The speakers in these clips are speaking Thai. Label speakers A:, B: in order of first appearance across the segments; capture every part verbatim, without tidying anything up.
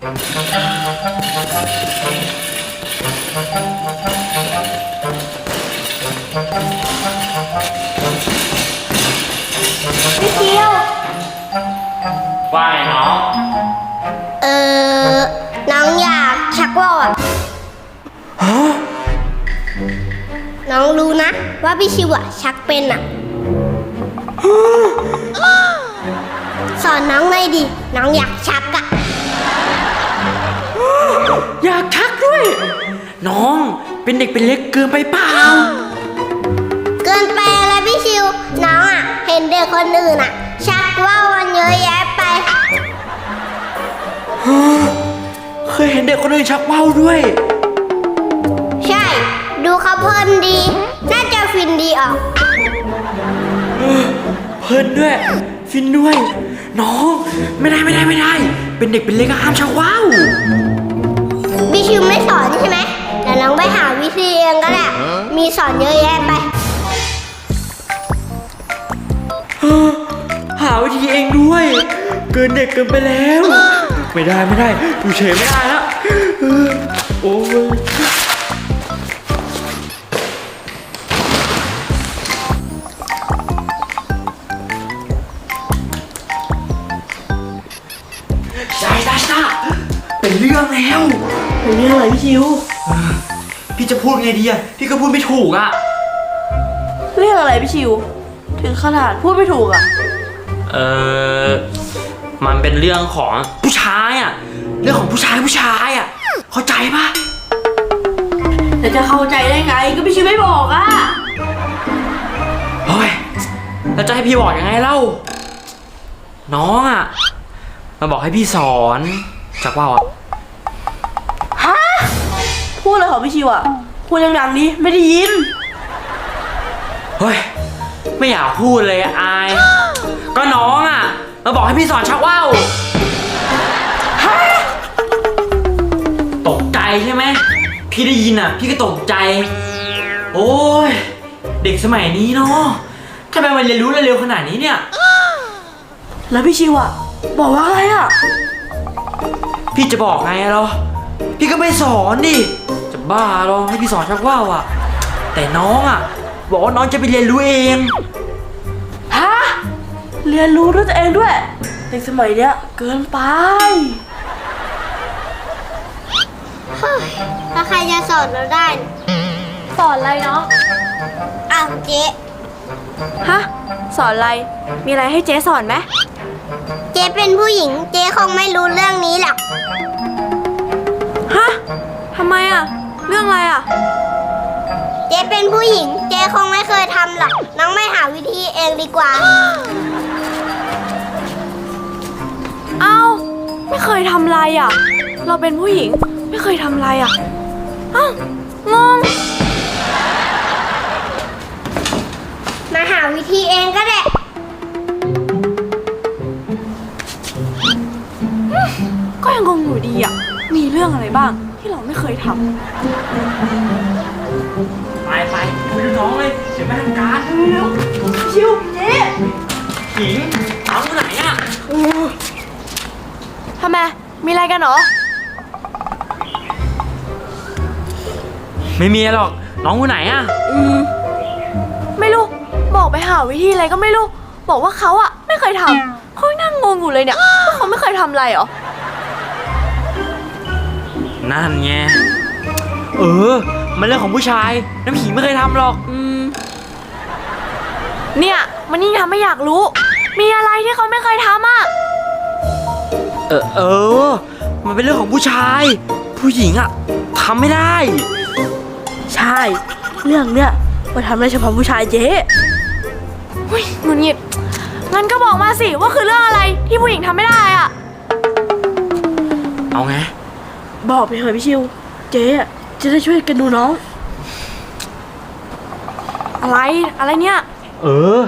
A: พี่เกียว
B: ว่าไงน้อง
A: เออน้องอยากชักว่าวอ่ะน้องรู้นะว่าพี่ชิวอ่ะชักเป็นอ่ะสอนน้องหน่อยดิน้องอยากชักอ่ะ
B: อยากชักด้วย น้องเป็นเด็กเป็นเล็กเกินไปเปล่า
A: เกินไปแล้วพี่ชิวน้องอ่ะเห็นเด็กคนอื่นอ่ะชักว่าวกันเยอะแยะไป
B: เคยเห็นเด็กคนอื่นชักว่าวด้วย
A: ใช่ดูเขาเพลินดีน่าจะฟินดีออก
B: เพลินด้วยฟินด้วยน้องไม่ได้ไม่ได้ไม่ได้เป็นเด็กเป็นเล็กห้ามชักว่าว
A: พี่ชิวไม่สอนใช่ไหมแต่น้องไปหาวิธีเองก็ได้มีสอนเยอะแยะไป
B: หาวิธีเองด้วยเกินเด็กเกินไปแล้วไม่ได้ไม่ได้อยู่เฉยไม่ได้แล้วโอ้ยใช่ใช่ใช่เป็นเรื่องแล้ว
C: เป็นเรื่องอะไรพี่ชิว
B: พี่จะพูดไงดีอะพี่ก็พูดไม่ถูกอะ
C: เรื่องอะไรพี่ชิวถึงขนาดพูดไม่ถูกอะ
B: เออมันเป็นเรื่องของผู้ชายอะเรื่องของผู้ชายผู้ชายอะเข้าใจปะ
C: แต่จะเข้าใจได้ไงก็พี่ชิวไม่บอกอะ
B: เฮ้ยแล้วจะให้พี่บอกยังไงเล่าน้องอะมาบอกให้พี่สอนจากว่าวอะ
C: ฮะพูดเลยเหรอพี่ชิวอะพูดดังๆดิไม่ได้ยิน
B: เฮ้ยไม่อยากพูดเลยอายก็น้องอะมาบอกให้พี่สอนชักว่าวฮะตกใจใช่ไหมพี่ได้ยินอะพี่ก็ตกใจโอ้ยเด็กสมัยนี้เนาะทำไมมันเรียนรู้เร็วขนาดนี้เนี่ย
C: แล้วพี่ชิวอะบอกว่าอะไรอะ
B: พี่จะบอกไงเหรอพี่ก็ไม่สอนดิจะบ้าหรอให้พี่สอนชักว่าวอะแต่น้องอะบอกว่าน้องจะไปเรียนรู้เอง
C: ฮะเรียนรู้ด้วยตัวเองด้วยในสมัยเนี้ยเกินไป
A: ถ้าใครจะสอนเราได้
D: สอนอะไรเนาะ
A: อ้าวเจ๊
D: ฮะสอนอะไรมีอะไรให้เจ๊สอนไหม
A: เจ๊เป็นผู้หญิงเจ๊คงไม่รู้เรื่องนี้หรอก
D: ฮะทำไมอะเรื่องอะไรอะ
A: เจ๊เป็นผู้หญิงเจ๊คงไม่เคยทำหรอกน้องไม่หาวิธีเองดีกว่า
D: เอ้าไม่เคยทำอะไรอะเราเป็นผู้หญิงไม่เคยทำอะไรอะเอ้างง
A: มาหาวิธีเองก็ได้
D: ก็ยังงงอยู่ดีอะมีเรื่องอะไรบ้างที่เราไม่เคยทำ
B: ไปไปไปดูน้องเลยเดี๋ยวแม่ทำการ
C: เร็วชิวเจ๊
B: หญิงน้องอยู่ไหนอะ
D: ทำไมมีอะไรกันเหรอ
B: ไม่มีหรอกน้องอยู่ไหนอะ
D: อืมไม่รู้บอกไปหาวิธีอะไรก็ไม่รู้บอกว่าเขาอะไม่เคยทำเขานั่งงงอยู่เลยเนี่ยว่าเขาไม่เคยทำอะไรเหรอ
B: นั่นไงเออมันเรื่องของผู้ชายน้ำผีไม่เคยทำหรอก
D: อืมเนี่ยมันยิ่งทำให้อยากรู้มีอะไรที่เขาไม่เคยทำอ่ะ
B: เออเออมันเป็นเรื่องของผู้ชายผู้หญิงอ่ะทำไม่ได้
C: ใช่เรื่องเนี้ยมาทำได้เฉพาะผู้ชายเจ๊
D: หุ้ยหงุดหงิดงั้นก็บอกมาสิว่าคือเรื่องอะไรที่ผู้หญิงทำไม่ได้อ่ะ
B: เอาไง
C: บอกไปเถอะพี่ชิวเจ๊จะได้ช่วยกันดูน้อง
D: อะไรอะไรเนี่ย
B: เออ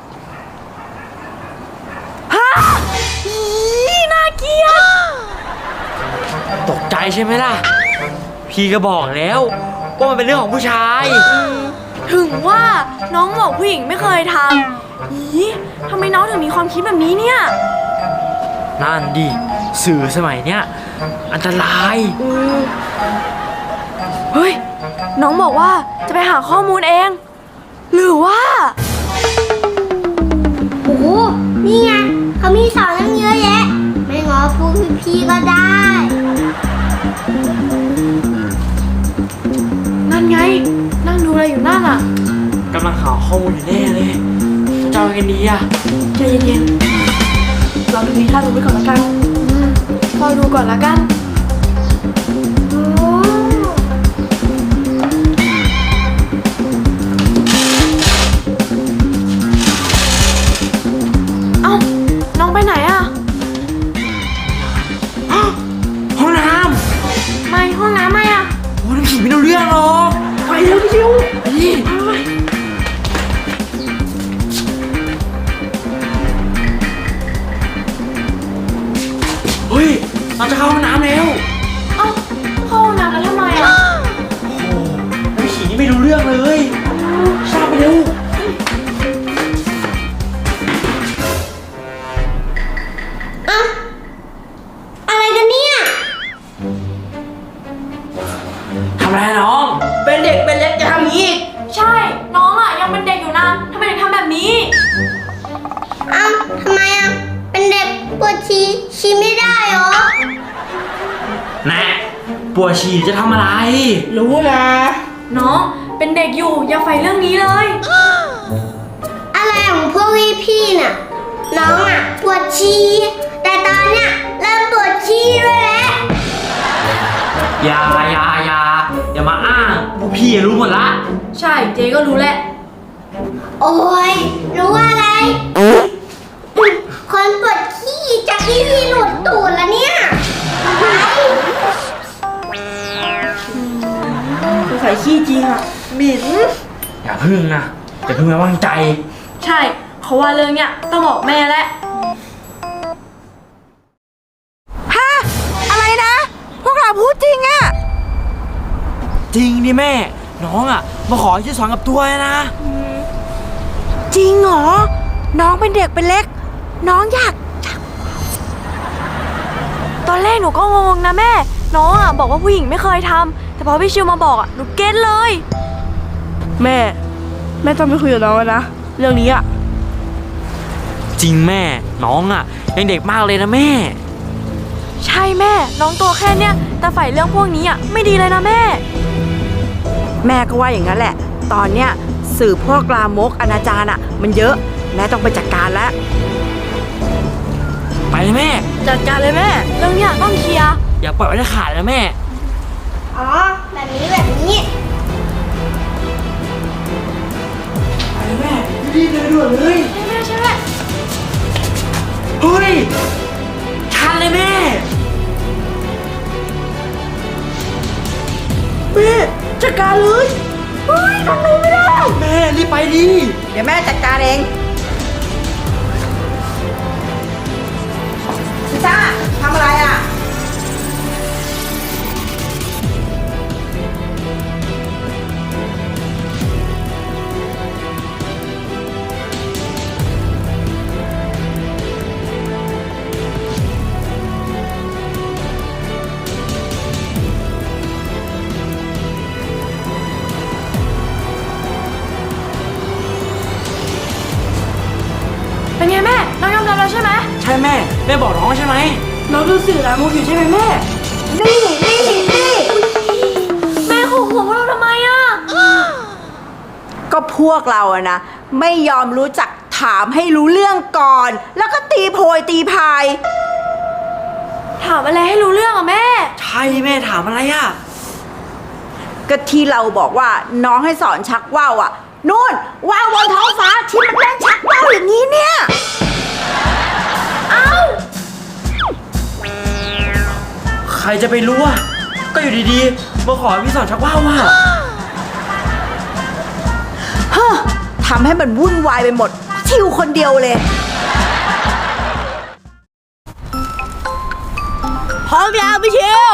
D: ฮะอีน่าเกลียด
B: ตกใจใช่ไหมล่ะพี่ก็บอกแล้วว่ามันเป็นเรื่องของผู้ชาย
D: ถึงว่าน้องบอกผู้หญิงไม่เคยทำอีทำไมน้องถึงมีความคิดแบบนี้เนี่ย
B: นั่นดิสื่อสมัยเนี้ยอันตราย
D: เฮ้ย น้องบอกว่าจะไปหาข้อมูลเอง หรือว่า
A: โอ้โหนี่ไงเขามีสอนตั้งเยอะแยะ ไม่งอพวกพี่ๆก็ได้
D: นั่นไง นั่งดูอะไรอยู่นั่นอ่ะ
B: กำลังหาข้อมูลอยู่แน่เลยจะเอายังไงดีอะ
D: ใจเย็นๆ เราดูนิทานดูไปก่อนละกันอืมพอดูก่อนละกัน เอ้า น้องไปไหนอะ
B: ห้องน้
D: ไม่ห้องน้ำไม่อะ
B: ำโอ้ยน้ำผีไม่รู้เรื่องหรอก
C: ไปเร็วพี่ชิว
B: ไปดิ เฮ้ย เราจะเข้าห้องน้ำแล้ว
D: เอ้าเข้าห้องน้ำแล้วทำไมอะ
B: โอ้โหน้ำผีนี่ไม่รู้เรื่องเลยทราบไปเร็ว
A: เอ้าอะไรกันเนี่ย
B: ทำอะไรอะน้อง
C: เป็นเด็กเป็นเล็กจะทำอย่างนี้อีก
D: ใช่ น้องอะยังเป็นเด็กอยู่นะทำไมถึงทำแบบนี้
A: เอ้าทำไมอ่ะ เป็นเด็กปวดชีชีไม่ได้เหรอ
B: แน่ปวดฉี่จะทำอะไร
C: รู้นะ
D: น้องเป็นเด็กอยู่อย่าใฝ่เรื่องนี้เลย
A: อะไรของพวกพี่ๆน่ะ น้องอ่ะปวดชีแต่ตอนเนี้ยเริ่มปวดชีด้วยแล้ว
B: อย่าอย่าอย่าอย่ามาอ้างพวกพี่รู้หมดละ
D: ใช่เจ๊ก็รู้แหละ
A: โอ้ยรู้อะไร คนปวดขี้จากที่พี่หลุดตูดแล้วเนี่ยไป
C: สงสัยขี้จริงอ่ะหมิ่น
B: อย่าพึ่งนะอย่าพึ่งไว้วางใจ
D: ใช่เขาว่าเรื่องเนี้ยต้องบอกแม่แล้ว
E: ฮะอะไรนะ พวกเราพูดจริงอะ
B: จริงดิแม่ น้องอ่ะ มาขอที่สอนกับตัวนะ
E: จริงเหรอ น้องเป็นเด็กเป็นเล็ก น้องอยาก
D: ตอนแรกหนูก็งงนะแม่ น้องอ่ะบอกว่าผู้หญิงไม่เคยทำแต่พอพี่ชิวมาบอกอ่ะหนูเก็ตเลย
C: แม่ แม่ต้องไปคุยกับน้องแล้วนะ เรื่องนี้อ่ะ
B: จริงแม่ น้องอ่ะ ยังเด็กมากเลยนะแม่
D: ใช่แม่ น้องตัวแค่เนี้ยแต่ฝ่ายเรื่องพวกนี้อ่ะไม่ดีเลยนะแม่
E: แม่ก็ว่าอย่างนั้นแหละ ตอนเนี้ยสื่อพวกลามกอนาจารอะมันเยอะ แม่ต้องไปจัดการแล้ว
B: ไปเลยแม่
D: จัดการเลยแม่ เรื่องเนี้ยต้องเคลียร์
B: อย่าปล่อยไว้จะขาดนะแม่
A: อ๋อ แบบนี้แบบนี้
B: ไปแม่รีบเลยด่วนเลย
D: ใช่แม่ใช่แม่
B: เฮ้ย ชันเลยแม่
C: แม่จัดการเลย
B: แม่รีบไปดิ
E: เดี๋ยวแม่จัดการเองพิซซ่าทำอะไรอะ
D: เป็นไงแม่ น้องยอมรับแล้วใช่ไหม
B: ใช่แม่ แม่บอกน้องใช่ไหม
C: น้องดูสื่อลามกอยู่ใช่ไหมแม่
E: นี่นี่นี่
D: แม่ขู่หัวพวกเราทำไมอ่ะ
E: ก็พวกเราอะนะ ไม่ยอมรู้จักถามให้รู้เรื่องก่อน แล้วก็ตีโพยตีพาย
D: ถามอะไรให้รู้เรื่องอ่ะแม่
B: ใช่แม่ถามอะไรอ่ะ
E: ก็ที่เราบอกว่าน้องให้สอนชักว่าวอะนู่นว่าวบนท้องฟ้าที่มันเล่นชักว่าวอย่างนี้เนี่ย
D: เอ้า
B: ใครจะไปรู้อ่ะ ก็อยู่ดีๆ มาขอให้พี่สอนชักว่าวว่ะ
E: เฮ้อทำให้มันวุ่นวายไปหมด ชิวคนเดียวเลย
C: พร้อมแล้วพี่ชิว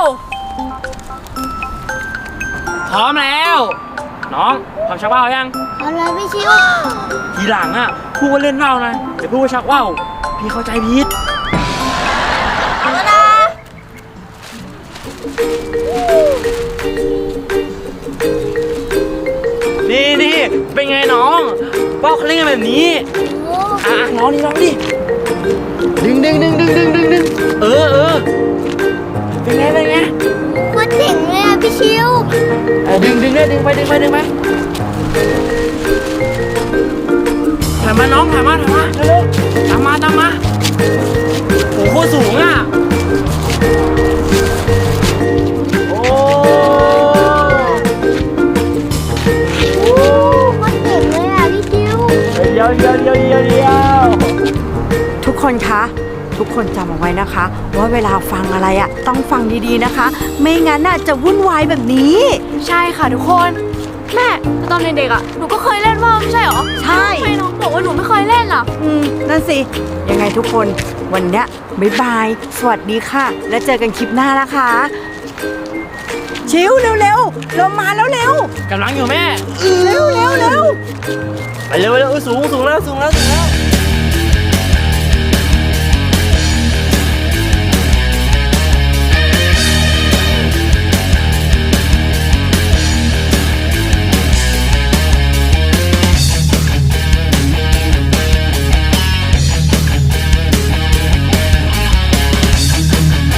B: พร้อมแล้ว น้องทำชักว่าวยัง
A: เอาเลยพี่ชิว
B: ทีหลังอ่ะพูดว่าเล่นว่าวนะอย่าพูดว่าชักว่าวพี่เข้าใจผิด
A: เอาละ
B: นี่นี่เป็นไงน้องป้าเขาเล่นกันแบบนี้อ่ะน้องนี่น้องดิดึงดึงดึงดึงดึงดึงดึงเออเออเป็นไงเป็นไง
A: โคตรเจ๋งเลยอ่ะพี่ชิว
B: เออดึงดึงได้ดึงไปดึงไปดึงไปถ่ายมาน้องถ่ายมาถ่ายมาเร็วๆตามมาตามมาโอ้โหสูงอ่ะโอ้
A: โคตรเจ๋งเลยอ่ะพี่ชิว
B: เดี๋ยวเดี๋ยวเดี๋ยวเดี๋ยวเดี๋ยว
E: ทุกคนคะ ทุกคนจำเอาไว้นะคะ ว่าเวลาฟังอะไรอะต้องฟังดีๆนะคะ ไม่งั้นน่ะจะวุ่นวายแบบนี้
D: ใช่ค่ะทุกคน แม่แต่ตอนเด็กๆอ่ะหนูก็เคยเล่นว่าวไม่ใช่เหรอ
E: ใช่
D: ทำไมน้องบอกว่าหนูไม่เคยเล่นล่ะ
E: อืมนั่นสิ ยังไงทุกคนวันเนี้ยบ๊ายบาย สวัสดีค่ะ แล้วเจอกันคลิปหน้านะคะ ชิวเร็วๆเรามาแล้วเร็ว
B: กำลังอยู่แม่
E: เร็วเร็วเร็ว
B: ไปเร็วเร็วสูงสูงแล้วสูงแล้วสูงแล้ว